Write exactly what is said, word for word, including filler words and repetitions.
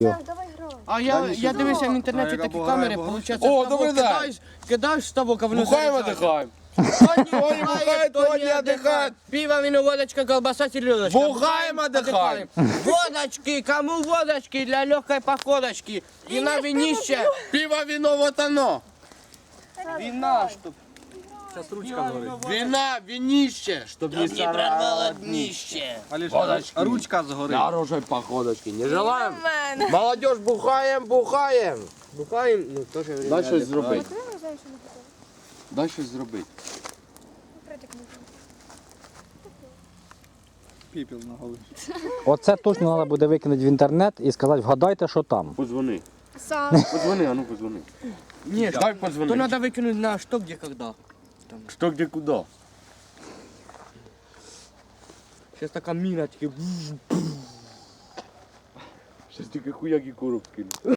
Так, давай грай. А я, я дивився в інтернеті такі камери, виходить, О, добрий день. кидаєш, кидаєш ставок, а воно Бухаем, заряджається. отдыхаем. Кто не бухает, кто кто не отдыхает. Пиво, вино, водочка, колбаса, селедочка. Бухаем, отдыхаем. Водочки, кому водочки для легкой походочки. И на винище. Пиво, вино, вот оно. Вина, чтоб Вина, винище, чтоб не прорвало днище. Водочки. Ручка згорить. Хорошей походочки. Не желаем? Молодежь, бухаем, бухаем. Бухаем, ну, тоже время. Дай щось зробити. Коли ми знаємо, що не готово? Дай щось зробити. Притик не готовий. Піпіл на голові. Оце точно треба буде викинути в інтернет і сказати, вгадайте, що там. Позвони. Сам. Позвони, а ну позвони. Нет, Дай то позвони. надо выкинуть на что, где, когда. Что, где, куда? Сейчас такая мина, такие... Сейчас тільки хуяки коробки.